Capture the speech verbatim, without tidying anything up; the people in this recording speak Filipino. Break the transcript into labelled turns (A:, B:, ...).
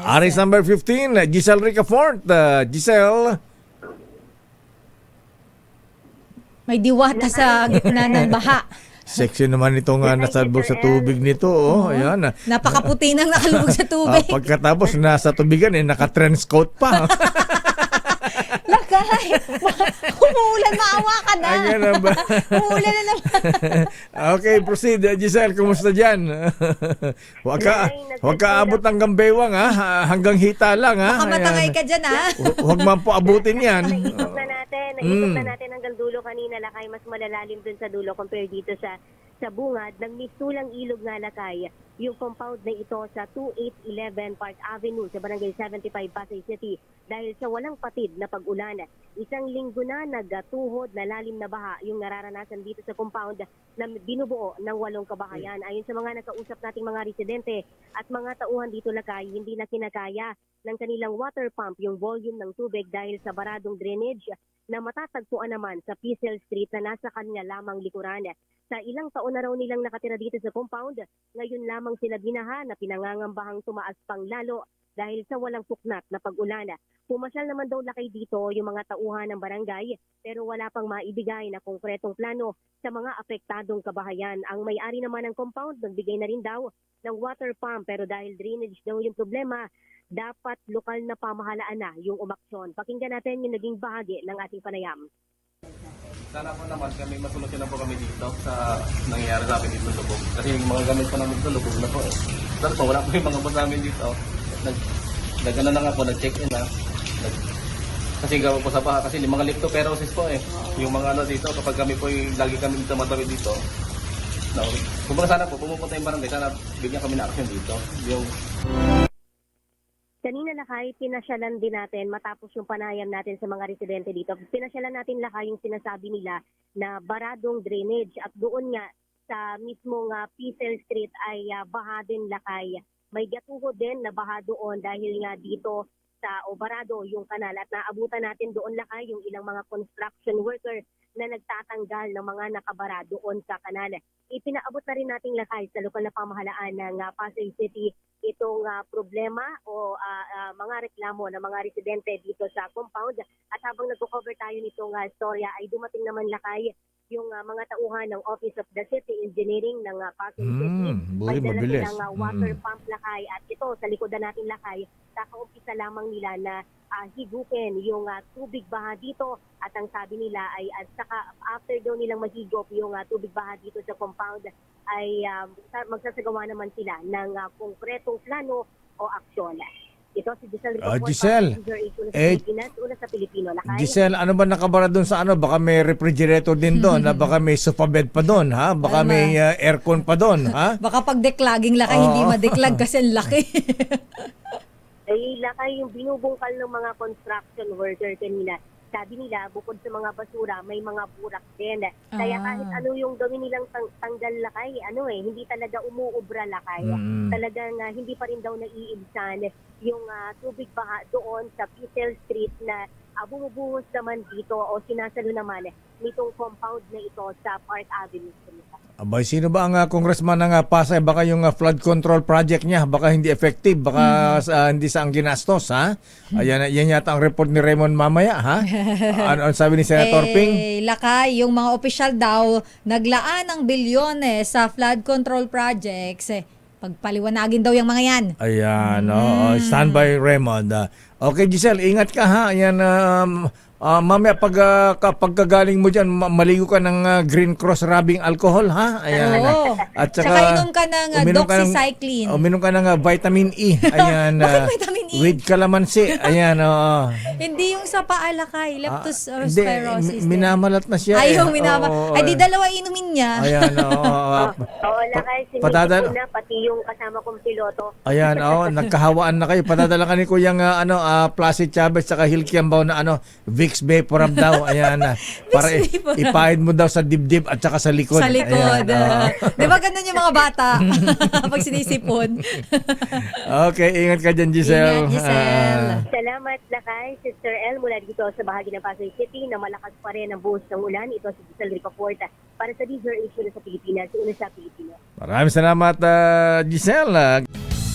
A: Aris number fifteen, Giselle Ricafort. Uh, Giselle.
B: May diwata sa gitna ng baha.
A: Sexy naman itong uh, nasalbog sa tubig nito. Oh, ayan.
B: Napakaputi nang nakalubog sa
A: Ah,
B: tubig.
A: pagkatapos nasa tubigan eh, naka-trench coat pa.
B: Lakay! Umuulan, maawa ka na.
A: Ayan na ba?
B: Umuulan na naman.
A: Okay, proceed. Giselle, kumusta dyan? Huwag ka, huwag ka abot hanggang bewang, ha? Hanggang hita lang, ha?
B: Baka matangay
A: Ayan.
B: ka dyan, ha?
A: Hu- Huwag man po abutin yan.
C: Naikot na natin. Naikot
A: Mm.
C: na natin hanggang dulo kanina, Lakay. Mas malalalim dun sa dulo compare dito sa sa bungad ng mistulang ilog nga, Lakay. Yung compound na ito sa two eight one one Park Avenue sa Barangay seventy-five, Pasay City. Dahil sa walang patid na pag-ulan, isang linggo na nagtuhod na lalim na baha yung nararanasan dito sa compound na binubuo ng walong kabahayan. Ayon sa mga nakausap nating mga residente at mga tauhan dito, Lakay, hindi na kinakaya ng kanilang water pump yung volume ng tubig dahil sa baradong drainage na matatagpuan naman sa Pizel Street na nasa kanya lamang likuran. Sa ilang taon na raw nilang nakatira dito sa compound, ngayon lamang sila binaha na pinangangambahang tumaas pang lalo dahil sa walang puknat na pag-ulan. Pumasyal naman daw, Lakay, dito yung mga tauhan ng barangay pero wala pang maibigay na konkretong plano sa mga apektadong kabahayan. Ang may-ari naman ng compound nagbigay na rin daw ng water pump pero dahil drainage daw yung problema, dapat lokal na pamahalaan na yung umaksyon. Pakinggan natin yung naging bahagi ng ating panayam.
D: Sana po naman kami masolusyon na po kami dito sa nangyayari sa amin dito sa lubog. Kasi yung mga gamit po namin dito lubog na po eh. Sana po wala po yung mga boss namin dito. Nag, nag ano na nga po, nag-check-in na. Nag, kasi gawa po sa baha kasi yung mga leptospirosis po eh. Yung mga ano dito kapag kami po yung lagi kami dito matawid dito. No, kumbaga sana po pumupunta yung barangay, sana bigyan kami na action dito. Yung
C: Kanina, Lakay, pinasyalan din natin matapos yung panayam natin sa mga residente dito. Pinasyalan natin, Lakay, yung sinasabi nila na baradong drainage at doon nga sa mismong uh, Pizel Street ay uh, baha din, Lakay. May gatuho din na baha doon dahil nga dito sa Obarado yung kanal at naabutan natin doon, Lakay, yung ilang mga construction worker na nagtatanggal ng mga nakabara doon sa kanal. Ipinaabot na rin nating, Lakay, sa lokal na pamahalaan ng uh, Pasay City itong uh, problema o uh, uh, mga reklamo ng mga residente dito sa compound. At habang nag-cover tayo nitong uh, storya ay dumating naman, Lakay, yung uh, mga tauhan ng Office of the City Engineering ng uh, Pasay
A: Mm,
C: City.
A: buhay,
C: May dala
A: mabilis.
C: silang uh, water
A: Mm.
C: pump, Lakay. At ito, sa likodan natin, Lakay, kakaumpisa lamang nila na uh, higukin yung uh, tubig baha dito. At ang sabi nila ay at saka after daw nilang mahigop yung uh, tubig baha dito sa compound ay um, magsasagawa naman sila ng uh, konkretong plano o aksyon. Ito si Giselle
A: Ah,
C: Ricafort,
A: Giselle,
C: Passenger eight, una sa
A: eh,
C: Pilipinas, una sa Pilipino. Lakay.
A: Giselle, ano ba nakabara doon sa ano? Baka may refrigerator din doon, ha? Baka may sofa bed pa doon, ha? Baka
B: Tama.
A: may uh, aircon pa doon, ha?
B: Baka pag deklaging, Lakay, hindi
A: Oo.
B: madeklag kasi ang laki.
C: Ay, Lakay, yung binubungkal ng mga construction worker kanina. Sabi nila, bukod sa mga basura, may mga burak din. Kaya
B: Ah.
C: kahit ano yung gawin nilang tang- tanggal, Lakay, ano eh, hindi talaga umuubra, Lakay.
A: Mm.
C: Talagang uh, hindi pa rin daw naiibsan yung uh, tubig baha doon sa Pizel Street na uh, bumubuhos naman dito o sinasalo naman nitong compound na ito sa Park Avenue.
A: Abay, sino ba ang uh, congressman ng uh, Pasay? Baka yung uh, flood control project niya, baka hindi effective, baka sa- hindi sa ang ginastos, ha? Ayan, yan yata ang report ni Raymond mamaya, ha? ano ang sabi ni Senator Ping?
B: Eh, Lakay, yung mga opisyal daw, naglaan ng bilyones sa flood control projects. Eh, pagpaliwanagin daw yung mga yan.
A: Ayan, oo. Stand by, Raymond. Ah, okay, Giselle, ingat ka, ha? Ayan, um, ah, mamaya pag, uh, kapag kagaling mo dyan, ma- maligo ka ng ah, Green Cross rubbing alcohol, ha? Ayan.
B: Oo.
A: At
B: Tsaka
A: saka,
B: inom ka ng uh,
A: uminom ka ng-
B: doxycycline.
A: Uminom ka ng ah, vitamin E. Ayan.
B: Bakit
A: ah,
B: vitamin E?
A: With calamansi. Ayan, oo.
B: Hindi yung sa paa, Lakay.
A: Ah,
B: Leptospirosis.
A: hindi, mi- minamalat na siya.
B: Ay,
A: eh.
B: yung minama.
A: Oo,
B: Ay, di
A: eh.
B: dalawa inumin niya.
A: Ayan, oo. ah,
C: Oo, Lakay,
A: patadal-
C: sinisip ko na pati yung kasama kong piloto.
A: Ayan, oh, nagkahawaan na kayo. Padadala ka ni Kuyang uh, ano, ah, Placid Chavez saka Hilkiambaw na ano, Vicks Vaporub daw. Ayan, ah, para i-
B: Vaporub.
A: ipahid mo daw sa dibdib at saka sa likod.
B: Sa likod.
A: Ayan, oo.
B: Di ba ganun yung mga bata pag sinisipon?
A: Okay, ingat ka dyan, Giselle.
B: Ingat, Giselle.
A: Ah,
C: Salamat, Lakay. Sister El, mula dito sa bahagi ng Pasay City na malakas pa rin ang buhos ng ulan. Ito si Giselle Ricafort para sa Deezer Issue sa Pilipinas, una sa Pilipinas.
A: maraming salamat, ah, Giselle. Ah,